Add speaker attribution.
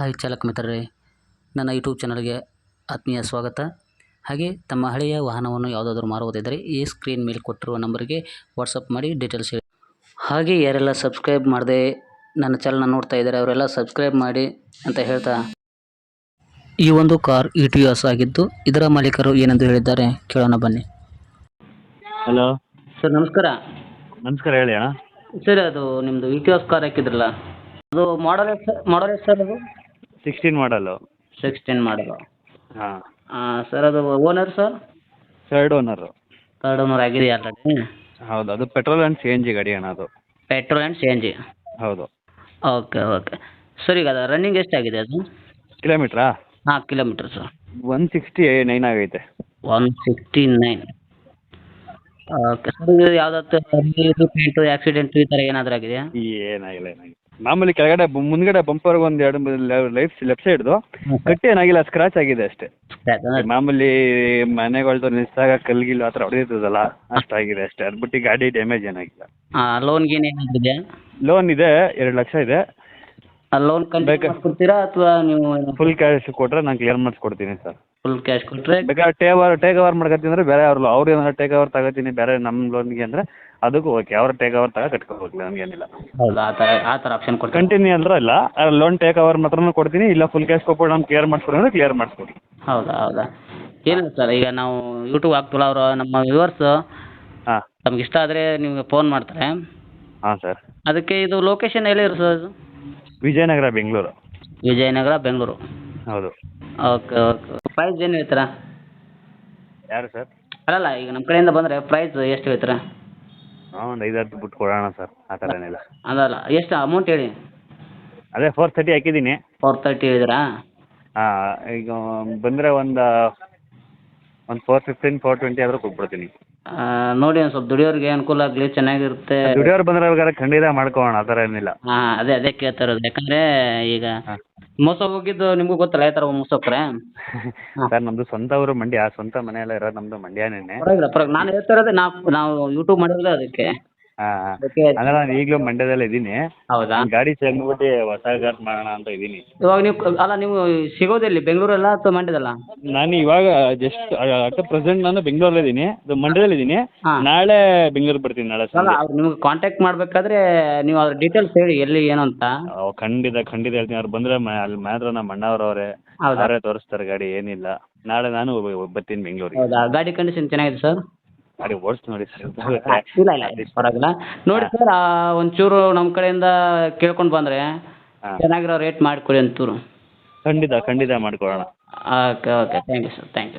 Speaker 1: Hi ಚಾಲಕ ಮಿತ್ರರೇ, ನನ್ನ ಯೂಟ್ಯೂಬ್ ಚಾನಲ್ಗೆ ಆತ್ಮೀಯ ಸ್ವಾಗತ. ಹಾಗೆ ತಮ್ಮ ಹಳೆಯ ವಾಹನವನ್ನು ಯಾವುದಾದ್ರೂ ಮಾರುವುದಿದ್ದರೆ ಈ ಸ್ಕ್ರೀನ್ ಮೇಲೆ ಕೊಟ್ಟಿರುವ ನಂಬರ್ಗೆ ವಾಟ್ಸಪ್ ಮಾಡಿ ಡೀಟೇಲ್ಸ್ ಹೇಳಿ. ಹಾಗೆ ಯಾರೆಲ್ಲ ಸಬ್ಸ್ಕ್ರೈಬ್ ಮಾಡದೆ ನನ್ನ ಚಾನಲ್ನ ನೋಡ್ತಾ ಇದ್ದಾರೆ ಅವರೆಲ್ಲ ಸಬ್ಸ್ಕ್ರೈಬ್ ಮಾಡಿ ಅಂತ ಹೇಳ್ತಾ, ಈ ಒಂದು ಕಾರ್ ಇಟಿಯೋಸ್ ಆಗಿದ್ದು ಇದರ ಮಾಲೀಕರು ಏನೆಂದು ಹೇಳಿದ್ದಾರೆ ಕೇಳೋಣ ಬನ್ನಿ.
Speaker 2: ಹಲೋ
Speaker 1: ಸರ್ ನಮಸ್ಕಾರ.
Speaker 2: ನಮಸ್ಕಾರ, ಹೇಳಿ ಅಣ್ಣ.
Speaker 1: ಸರ್ ಅದು ನಿಮ್ಮದು ಇಟಿಯೋಸ್ ಕಾರ್ ಹಾಕಿದ್ರಲ್ಲ, ಅದು ಮಾಡಲ್ ಎಷ್ಟು ಸರ್? ಅದು
Speaker 2: 16 ಮಾಡಲು.
Speaker 1: 16 ಮಾಡಲು.
Speaker 2: ಹಾಂ.
Speaker 1: ಸರ್ ಅದು owner sir?
Speaker 2: Third owner.
Speaker 1: Third owner ಆಗಿದೆಯಾ ಆಲ್ರೆಡಿ?
Speaker 2: ಹೌದು, ಅದು ಪೆಟ್ರೋಲ್ ಆ್ಯಂಡ್ CNG ಗಾಡಿ ಅಣ್ಣ ಅದು.
Speaker 1: Petrol and CNG.
Speaker 2: ಹೌದು.
Speaker 1: Okay okay sir. ಈಗ ಅದು ರನ್ನಿಂಗ್ ಎಷ್ಟಾಗಿದೆ ಅದು?
Speaker 2: ಕಿಲೋಮೀಟ್ರಾ?
Speaker 1: ಹಾಂ, ಕಿಲೋಮೀಟ್ರ್ ಸರ್.
Speaker 2: 169 ಆಗೈತೆ.
Speaker 1: 169. Okay sir. ಇದು ಯಾವುದಾದ್ರು ಪೇಂಟು ಆಕ್ಸಿಡೆಂಟು ಈ ಥರ ಏನಾದರೂ ಆಗಿದೆಯಾ?
Speaker 2: ಏನಾಗಿಲ್ಲ. ಮಾಮೂಲಿ ಕೆಳಗಡೆ ಮುಂದ್ಗಡೆ ಬಂಪರ್ಗೆ ಒಂದು ಎರಡು ಲೆಫ್ಟ್ ಸೈಡ್ದು ಕಟ್ಟಿ ಏನಾಗಿಲ್ಲ, ಸ್ಕ್ರಾಚ್ ಆಗಿದೆ ಅಷ್ಟೇ. ಮಾಮೂಲಿ ಮನೆಗಳ್ದು ನಿಲ್ಸಾಗ ಕಲ್ಗಿಲ್ಲು ಆ ಥರ ಹೊಡೆದಿರ್ತದಲ್ಲ, ಅಷ್ಟಾಗಿದೆ ಅಷ್ಟೇ. ಅದು ಬಿಟ್ಟು ಗಾಡಿ ಡ್ಯಾಮೇಜ್ ಏನಾಗಿಲ್ಲ.
Speaker 1: ಲೋನ್ ಗೀನ್ ಏನಾದರೂ ಇದೆಯಾ?
Speaker 2: ಲೋನ್ ಇದೆ, 2 ಲಕ್ಷ ಇದೆ.
Speaker 1: ಲೋನ್ ಕಂಟಿನ್ಯೂ ಕೊಡ್ತೀರಾ ಅಥವಾ ನೀವು
Speaker 2: ಫುಲ್ ಕ್ಯಾಶ್ ಕೊಟ್ಟರೆ ನಾನು ಕ್ಲಿಯರ್ ಮಾಡಿಸ್ಕೊಡ್ತೀನಿ ಸರ್.
Speaker 1: ಫುಲ್ ಕ್ಯಾಶ್ ಕೊಟ್ಟರೆ? ಬೇಕಾದ್ರೆ
Speaker 2: ಟೇಕ್ ಓವರ್ ಮಾಡ್ಕೊತೀನಿ ಅಂದರೆ ಬೇರೆ ಅವ್ರು ಏನಾದ್ರು ಟೇಕ್ ಓವರ್ ತಗೋತೀನಿ ಬೇರೆ ನಮ್ಮ ಲೋನ್ಗೆ ಅಂದರೆ ಅದಕ್ಕೂ ಓಕೆ. ಅವ್ರು ಟೇಕ್ ಓವರ್ ಕಟ್ಕೋಬೇಕು, ನಮಗೇನಿಲ್ಲ.
Speaker 1: ಹೌದಾ? ಆ ಥರ ಆಪ್ಷನ್ ಕೊಡ್ತೀನಿ.
Speaker 2: ಕಂಟಿನ್ಯೂ ಅಂದ್ರೆ ಇಲ್ಲ, ಲೋನ್ ಟೇಕ್ ಓವರ್ ಮಾತ್ರನೂ ಕೊಡ್ತೀನಿ, ಇಲ್ಲ ಫುಲ್ ಕ್ಯಾಶ್ ಕೊಟ್ಬಿಟ್ಟು ನಾನು ಕ್ಲಿಯರ್ ಮಾಡಿಸ್ಕೊಡಿ ಅಂದರೆ ಕ್ಲಿಯರ್ ಮಾಡಿಸ್ಕೊಡಿ.
Speaker 1: ಹೌದಾ? ಏನಿಲ್ಲ ಸರ್, ಈಗ ನಾವು ಯೂಟ್ಯೂಬ್ ಹಾಕ್ತೀವಲ್ಲ, ಅವರು ನಮ್ಮ ವ್ಯೂವರ್ಸು
Speaker 2: ಹಾಂ,
Speaker 1: ನಮ್ಗೆ ಇಷ್ಟ ಆದರೆ ನಿಮಗೆ ಫೋನ್ ಮಾಡ್ತಾರೆ.
Speaker 2: ಹಾಂ ಸರ್.
Speaker 1: ಅದಕ್ಕೆ ಇದು ಲೊಕೇಶನ್ ಎಲ್ಲಿರು ಸರ್? ಅದು
Speaker 2: ವಿಜಯನಗರ, ಬೆಂಗಳೂರು.
Speaker 1: ವಿಜಯನಗರ, ಬೆಂಗಳೂರು.
Speaker 2: ಹೌದು.
Speaker 1: Okay okay. ಪ್ರೈಸ್ ಏನು ಹೇಳ್ತೀರಾ?
Speaker 2: ಯಾರು ಸರ್?
Speaker 1: ಅಲ್ಲಲ್ಲ, ಈಗ ನಮ್ಮ ಕಡೆಯಿಂದ ಬಂದರೆ ಪ್ರೈಸ್ ಎಷ್ಟು ಹೇಳ್ತೀರಾ?
Speaker 2: ಒಂದು 5-10 ಬಿಟ್ಟು ಕೊಡೋಣ ಸರ್, ಆ ಥರ ಏನಿಲ್ಲ.
Speaker 1: ಅದಲ್ಲ, ಎಷ್ಟು ಅಮೌಂಟ್ ಹೇಳಿ.
Speaker 2: ಅದೇ 430 ಹಾಕಿದ್ದೀನಿ.
Speaker 1: 430 ಹೇಳಿದ್ರಾ?
Speaker 2: ಹಾಂ, ಈಗ ಬಂದರೆ ಒಂದು 415, 420 ಆದರೂ ಕೊಟ್ಬಿಡ್ತೀನಿ.
Speaker 1: ನೋಡಿ, ಒಂದು ಸ್ವಲ್ಪ ದುಡಿಯೋರಿಗೆ ಅನುಕೂಲ ಆಗಲಿ, ಚೆನ್ನಾಗಿರುತ್ತೆ.
Speaker 2: ದುಡಿಯೋರು ಬಂದರೆ ಖಂಡಿತ ಮಾಡ್ಕೊಳ್ಳೋಣ, ಆ ಥರ ಏನಿಲ್ಲ.
Speaker 1: ಹಾಂ, ಅದೇ ಕೇಳ್ತಾ ಇರೋದು. ಯಾಕಂದರೆ ಈಗ ಮೋಸ ಹೋಗಿದ್ದು ನಿಮಗೂ ಗೊತ್ತಲ್ಲ, ಯಾವ ಥರ ಮೋಸ ಹೋಗ್ತಾರೆ.
Speaker 2: ಸರ್, ನಮ್ಮದು ಸ್ವಂತ ಊರು ಮಂಡ್ಯ, ಸ್ವಂತ ಮನೆಯೆಲ್ಲ ಇರೋದು ನಮ್ಮದು ಮಂಡ್ಯನೇ.
Speaker 1: ಪರವಾಗಿಲ್ಲ. ನಾನು ಹೇಳ್ತಾ ಇರೋದು ನಾವು ಯೂಟ್ಯೂಬ್ ಮಾಡಿರೋದು ಅದಕ್ಕೆ.
Speaker 2: ಹಾಂ, ಅಂದರೆ ನಾನು ಈಗಲೂ ಮಂಡ್ಯದಲ್ಲೇ ಇದ್ದೀನಿ.
Speaker 1: ಹೌದಾ?
Speaker 2: ಗಾಡಿ ಚೆಂದ್ಬಿಟ್ಟು ಹೊಸ ಕಾರ್ ಮಾಡೋಣ ಅಂತ ಇದ್ದೀನಿ.
Speaker 1: ಇವಾಗ ನೀವು ಸಿಗೋದೆಲ್ಲಿ, ಬೆಂಗಳೂರಲ್ಲ ಅಥವಾ ಮಂಡ್ಯದಲ್ಲ?
Speaker 2: ನಾನು ಇವಾಗ ಜಸ್ಟ್ ಅಟ್ ಪ್ರೆಸೆಂಟ್ ನಾನು ಬೆಂಗಳೂರಲ್ಲೇ ಇದ್ದೀನಿ, ಮಂಡ್ಯದಲ್ಲಿ ಇದ್ದೀನಿ. ನಾಳೆ ಬೆಂಗಳೂರಿಗೆ ಬರ್ತೀನಿ, ನಾಳೆ
Speaker 1: ಅಲ್ಲ, ಅವ್ರು ನಿಮ್ಗೆ ಕಾಂಟ್ಯಾಕ್ಟ್ ಮಾಡಬೇಕಾದ್ರೆ ನೀವು ಅದ್ರ ಡೀಟೇಲ್ಸ್ ಹೇಳಿ, ಎಲ್ಲಿ ಏನು ಅಂತ.
Speaker 2: ಖಂಡಿತ ಹೇಳ್ತೀನಿ. ಅವ್ರು ಬಂದರೆ ಅಲ್ಲಿ ಮಾತ್ರ ನಮ್ಮ ಅಣ್ಣವ್ರವ್ರೆ, ಅವರೇ ತೋರಿಸ್ತಾರೆ ಗಾಡಿ, ಏನಿಲ್ಲ. ನಾಳೆ ನಾನು ಬರ್ತೀನಿ ಬೆಂಗಳೂರಿಗೆ.
Speaker 1: ಹೌದಾ? ಗಾಡಿ ಕಂಡೀಷನ್ ಚೆನ್ನಾಗಿದೆ ಸರ್?
Speaker 2: ಗಾಡಿ ಓಡಿಸಿ ನೋಡಿ ಸರ್.
Speaker 1: ಇಲ್ಲ ಪರವಾಗಿಲ್ಲ. ನೋಡಿ ಸರ್, ಒಂಚೂರು ನಮ್ಮ ಕಡೆಯಿಂದ ಕೇಳ್ಕೊಂಡು ಬಂದರೆ ಚೆನ್ನಾಗಿರೋ ರೇಟ್ ಮಾಡಿಕೊಡಿ ಒಂಚೂರು.
Speaker 2: ಖಂಡಿತ ಮಾಡ್ಕೊಳ್ಳೋಣ.
Speaker 1: Okay thank you sir, thank you.